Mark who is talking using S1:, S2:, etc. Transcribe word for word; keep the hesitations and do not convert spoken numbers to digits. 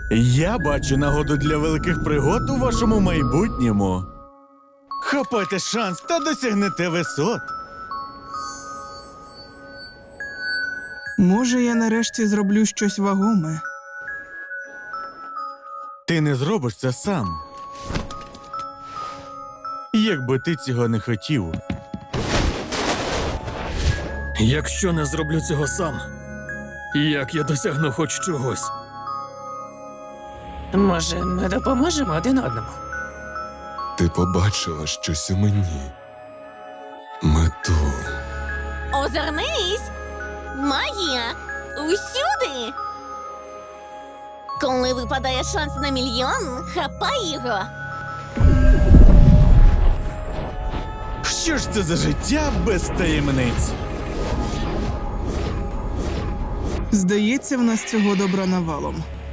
S1: Я бачу нагоду для великих пригод у вашому майбутньому. Хапайте шанс та досягнете висот.
S2: Може, я нарешті зроблю щось вагоме.
S1: Ти не зробиш це сам. Якби ти цього не хотів.
S3: Якщо не зроблю цього сам, як я досягну хоч чогось?
S4: Може, ми допоможемо один одному?
S5: Ти побачила щось у мені. Мету.
S6: Озирнись! Магія! Усюди! Коли випадає шанс на мільйон, хапай його!
S1: Що ж це за життя без таємниць?
S2: Здається, в нас цього добра навалом.